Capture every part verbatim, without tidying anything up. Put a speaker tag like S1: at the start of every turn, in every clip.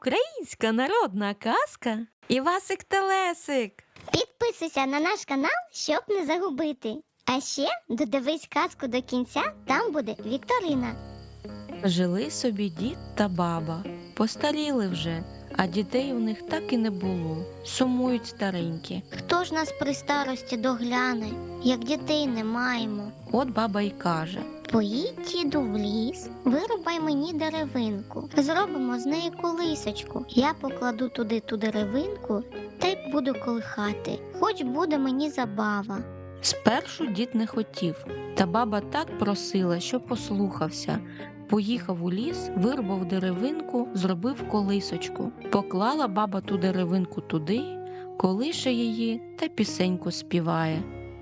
S1: Українська народна казка Івасик Телесик.
S2: Підписуйся на наш канал, щоб не загубити. А ще додивись казку до кінця, там буде вікторина.
S1: Жили собі дід та баба. Постаріли вже, а дітей у них так і не було. Сумують старенькі.
S2: Хто ж нас при старості догляне, як дітей не маємо?
S1: От баба й каже:
S2: Поїдь, діду, в ліс, вирубай мені деревинку, зробимо з неї колисочку. Я покладу туди ту деревинку, та й буду колихати, хоч буде мені забава.
S1: Спершу дід не хотів, та баба так просила, що послухався. Поїхав у ліс, вирубав деревинку, зробив колисочку. Поклала баба ту деревинку туди, колише її та пісеньку співає.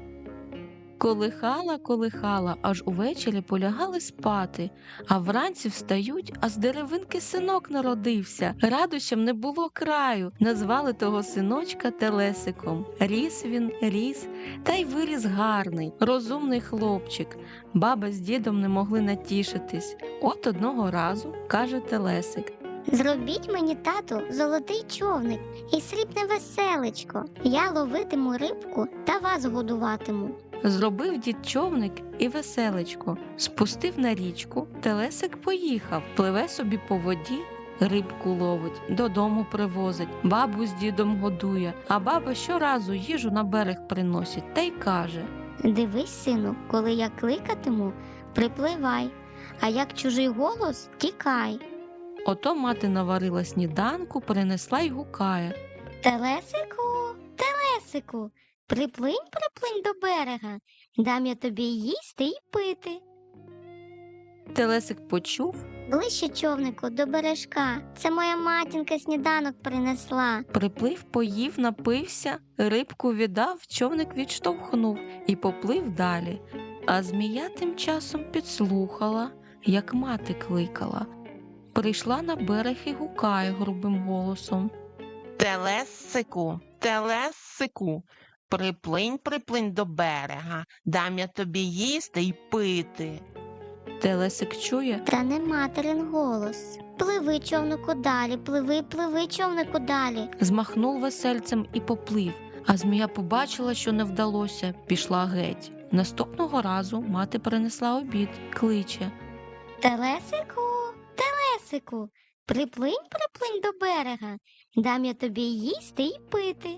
S1: Колихала, колихала, аж увечері полягали спати, а вранці встають, а з деревинки синок народився. Радощам не було краю, назвали того синочка Телесиком. Ріс він, ріс, та й виріс гарний, розумний хлопчик. Баба з дідом не могли натішитись. От одного разу каже Телесик:
S2: Зробіть мені, тату, золотий човник і срібне веселечко. Я ловитиму рибку та вас годуватиму.
S1: Зробив дід човник і веселечко, спустив на річку, Телесик поїхав, пливе собі по воді, рибку ловить, додому привозить, бабу з дідом годує, а баба щоразу їжу на берег приносить та й каже:
S2: Дивись, сину, коли я кликатиму, припливай, а як чужий голос – тікай.
S1: Ото мати наварила сніданку, принесла й гукає:
S2: Телесику, телесику, приплинь, приплинь до берега, дам я тобі їсти й пити.
S1: Телесик почув,
S2: Ближче, човнику, до бережка, це моя матінка сніданок принесла.
S1: приплив, поїв, напився, рибку віддав, човник відштовхнув і поплив далі. А змія тим часом підслухала, як мати кликала. Прийшла на берег і гукає грубим голосом:
S3: Телесику, телесику, приплинь, приплинь до берега, дам я тобі їсти й пити.
S1: Телесик чує,
S2: Та не материн голос. Пливи, човнику, далі, пливи, пливи, човнику, далі.
S1: змахнув весельцем і поплив, а змія побачила, що не вдалося, пішла геть. Наступного разу мати принесла обід, кличе:
S2: Телесику, телесику, приплинь, приплинь до берега, дам я тобі їсти й пити.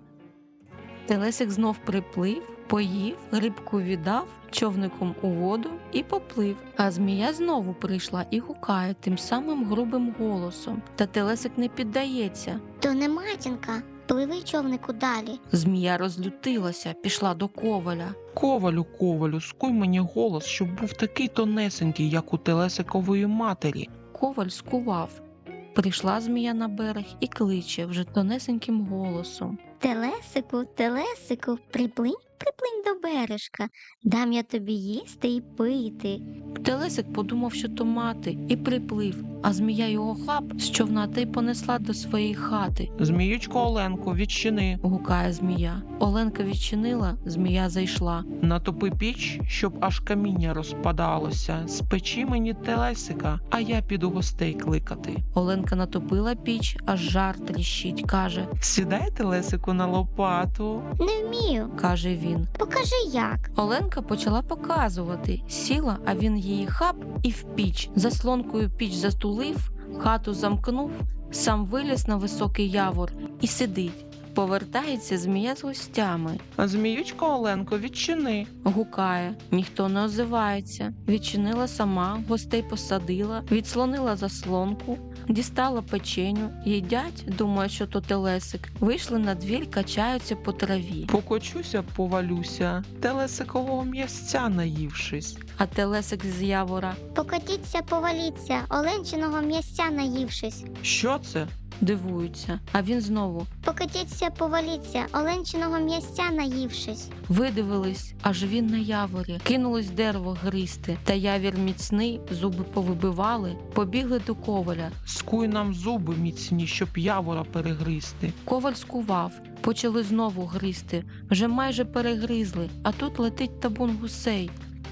S1: Телесик знов приплив, поїв, рибку віддав, човником у воду і поплив. А змія знову прийшла і гукає тим самим грубим голосом. Та Телесик не піддається.
S2: То не матінка, пливи, човнику, далі.
S1: Змія розлютилася, пішла до коваля.
S3: Ковалю, ковалю, скуй мені голос, щоб був такий тонесенький, як у телесикової матері.
S1: Коваль скував. Прийшла змія на берег і кличе вже тонесеньким голосом:
S2: Телесику, телесику, приплинь, приплинь до бережка, дам я тобі їсти й пити.
S1: Телесик подумав, що то мати, і приплив, а змія його хап з човна та й понесла до своєї хати.
S3: Зміючко Оленко, відчини.
S1: Гукає змія. Оленка відчинила, змія зайшла.
S3: Натопи піч, щоб аж каміння розпадалося. Спечи мені телесика, а я піду гостей кликати.
S1: Оленка натопила піч, аж жар тріщить, каже:
S3: Сідай, телесику, на лопату.
S2: Не вмію,
S1: каже він.
S2: покажи як.
S1: Оленка почала показувати. Сіла, а він її хап і в піч. Заслонкою піч затулив, хату замкнув, сам виліз на високий явор і сидить. Повертається змія з гостями.
S3: Зміючко Оленко, відчини.
S1: Гукає, ніхто не озивається. Відчинила сама, гостей посадила, відслонила заслонку, дістала печеню, їдять, думає, що то Телесик. Вийшли на двір, качаються по траві.
S3: Покочуся, повалюся, телесикового м'ясця наївшись.
S1: А Телесик з явора
S2: Покотіться, поваліться, оленчиного м'ясця наївшись.
S3: Що це?
S1: дивуються. А він знову:
S2: Покотіться, поваліться, оленчиного м'ясця наївшись.
S1: видивились, аж він на яворі. Кинулось дерево гризти, та явір міцний, зуби повибивали, побігли до коваля.
S3: Скуй нам зуби міцні, щоб явора перегризти.
S1: Коваль скував, почали знову гризти, вже майже перегризли, а тут летить табун гусей.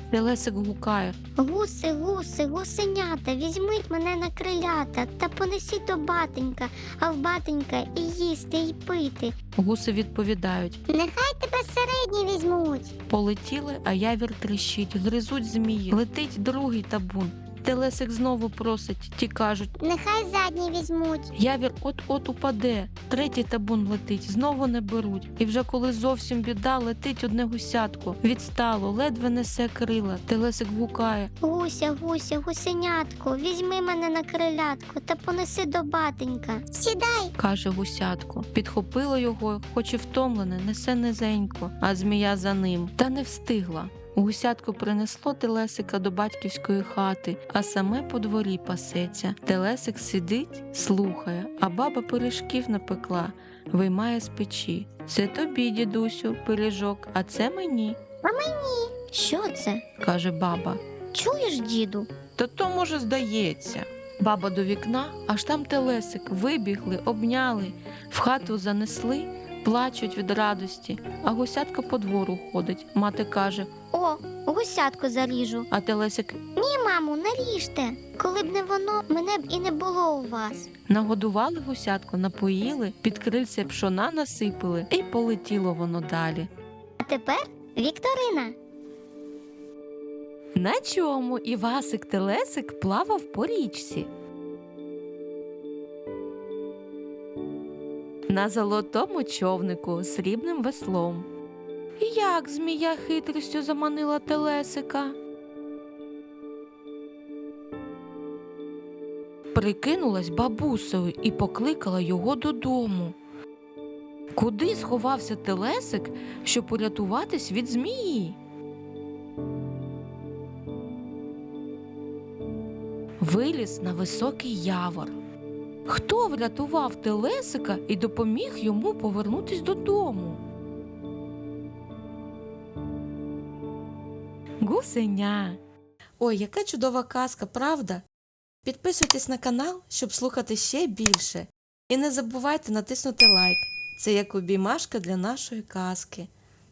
S1: Телесик гукає.
S2: Гуси, гуси, гусенята, візьміть мене на крилята та понесіть до батенька, а в батенька і їсти, і пити.
S1: Гуси відповідають.
S2: Нехай тебе середні візьмуть.
S1: Полетіли, а явір тріщить, гризуть змії. Летить другий табун. Телесик знову просить, ті кажуть.
S2: Нехай задні візьмуть.
S1: Явір от-от упаде. Третій табун летить, знову не беруть. І вже коли зовсім біда, летить одне гусятко. Відстало, ледве несе крила. Телесик гукає.
S2: Гуся, гуся, гусенятко, візьми мене на крилятко та понеси до батенька. Сідай.
S1: Каже гусятко. Підхопило його, хоч і втомлене, несе низенько, а змія за ним. Та не встигла. Гусятко принесло Телесика до батьківської хати, а саме по дворі пасеться. Телесик сидить, слухає, а баба пиріжків напекла, виймає з печі. Це тобі, дідусю, пиріжок, а це мені,
S2: Що це?
S1: каже баба.
S2: Чуєш, діду?
S3: Та то, може, здається.
S1: Баба до вікна, аж там Телесик, вибігли, обняли, в хату занесли, плачуть від радості, а гусятко по двору ходить. Мати каже,
S2: О, гусятко заріжу.
S1: а Телесик
S2: Ні, мамо, не ріжте. Коли б не воно, мене б і не було у вас.
S1: нагодували гусятко, напоїли, під крильце пшона насипали, і полетіло воно далі.
S2: А тепер Вікторина.
S1: На чому Івасик Телесик плавав по річці? На золотому човнику з срібним веслом. Як змія хитрістю заманила Телесика? Прикинулась бабусею і покликала його додому. Куди сховався Телесик, щоб урятуватись від змії? Виліз на високий явор. Хто врятував Телесика і допоміг йому повернутись додому? Гусеня. Ой, яка чудова казка, правда? Підписуйтесь на канал, щоб слухати ще більше. І не забувайте натиснути лайк. Це як обіймашка для нашої казки.